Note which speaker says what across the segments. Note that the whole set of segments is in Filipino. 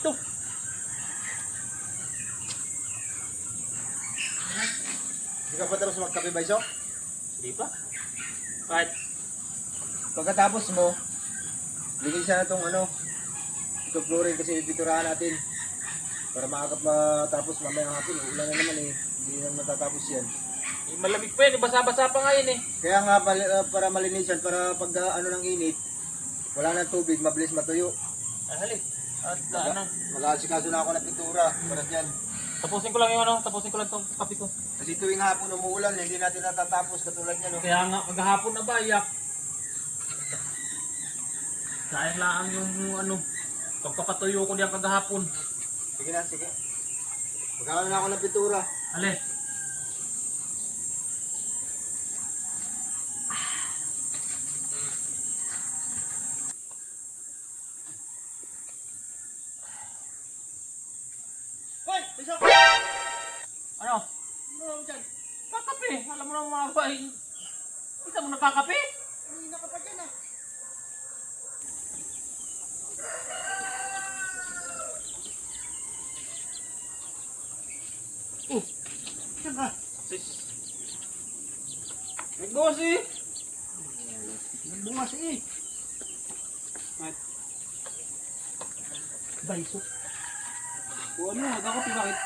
Speaker 1: dito.
Speaker 2: Hindi ka pa tapos magkape, Baisok?
Speaker 1: Hindi pa. Kahit
Speaker 2: Pagkatapos mo, bigyan siya na itong ito fluorine kasi piturahan natin. Para maagap matapos mamayang hapon. Ulan na naman eh. Hindi na matatapos yan.
Speaker 1: malamig pa yan. Basa-basa pa nga yun eh.
Speaker 2: Kaya nga para malinisan, para pag ng init, wala nang tubig, mabilis matuyo.
Speaker 1: Hali. At
Speaker 2: Mag-aasikaso na ako ng pintura para dyan.
Speaker 1: tapusin ko lang yung tapusin ko lang itong kape ko.
Speaker 2: Kasi tuwing hapon umuulan, hindi natin natatapos katulad niya. No?
Speaker 1: Kaya nga, maghahapon na ba, iyak. Sayang lang yung pagpapatuyo ko diyan kagahapon.
Speaker 2: Sige na, sige. Magkakaroon na ako ng pintura.
Speaker 1: Ale.
Speaker 2: Hoy! Bisok!
Speaker 1: Ano?
Speaker 2: Ano dyan?
Speaker 1: Kakape. Alam mo na mga bahay. Isa mo nakakape?
Speaker 2: Hindi na ka pa dyan ah. Saan ka?
Speaker 1: Sis. Nagbukas eh.
Speaker 2: Nagbungas eh.
Speaker 1: Baisok. O ano, nagkakape bakit?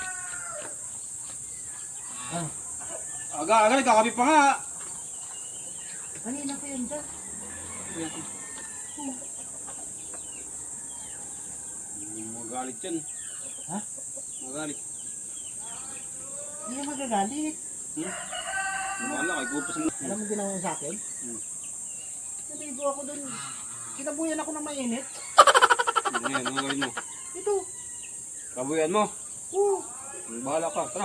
Speaker 2: Aga, nagkakape pa nga.
Speaker 3: Kanina pa yan dyan.
Speaker 2: Magalit yan.
Speaker 3: Ha?
Speaker 2: Magalit.
Speaker 3: Hindi ka magagalit.
Speaker 2: Wala, kay Gupos mo.
Speaker 3: Alam mo ginawa mo sa akin? Naligo ako dun. Kinabuyan ako ng mainit.
Speaker 2: Ano yan, ano gawin mo?
Speaker 3: Ito.
Speaker 2: Kabuyan mo.
Speaker 3: Oo.
Speaker 2: Bahala ka, tara.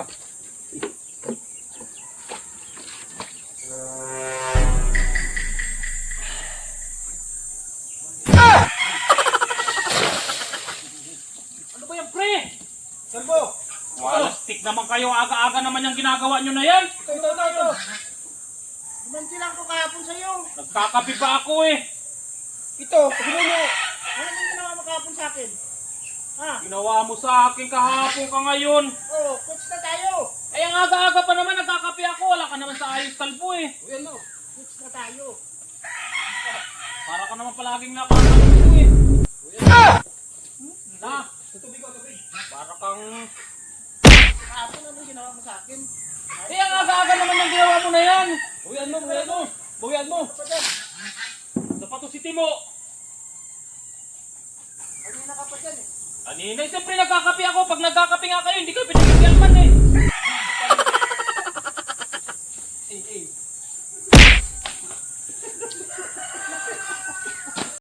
Speaker 1: Ano ba yan, pre?
Speaker 2: Sambo!
Speaker 1: Plastic naman kayo. Aga-aga naman yung ginagawa nyo na yan.
Speaker 2: Ito.
Speaker 3: Dimanti lang ko kahapon sa'yo.
Speaker 1: Nagkakape pa ako eh.
Speaker 2: Ito, pagino mo.
Speaker 3: Ano yung ginawa mo kahapon sa akin? Ha?
Speaker 1: Ginawa mo sa akin kahapon ka ngayon.
Speaker 3: Oo, coach na tayo.
Speaker 1: Ay, ang aga-aga pa naman nagkakape ako. Wala ka naman sa ayos kalbo eh.
Speaker 2: Uyan mo.
Speaker 3: Coach na tayo.
Speaker 1: Para ka naman palaging nakakalbo eh. Na,
Speaker 2: Tubig ko, tubig.
Speaker 1: para kang...
Speaker 3: Kahapon ano yung ginawa mo sa akin?
Speaker 1: Eh, ang aga-aga naman yung ginawa mo na yan.
Speaker 2: Uyan mo, uyan mo. Uyan mo.
Speaker 3: Ano pa dyan?
Speaker 1: Sapatos si Timo.
Speaker 3: Kanina ka pa dyan eh.
Speaker 1: Kanina, siyempre nagkakape ako. Pag nagkakape nga kayo, hindi kayo pinagigilman eh.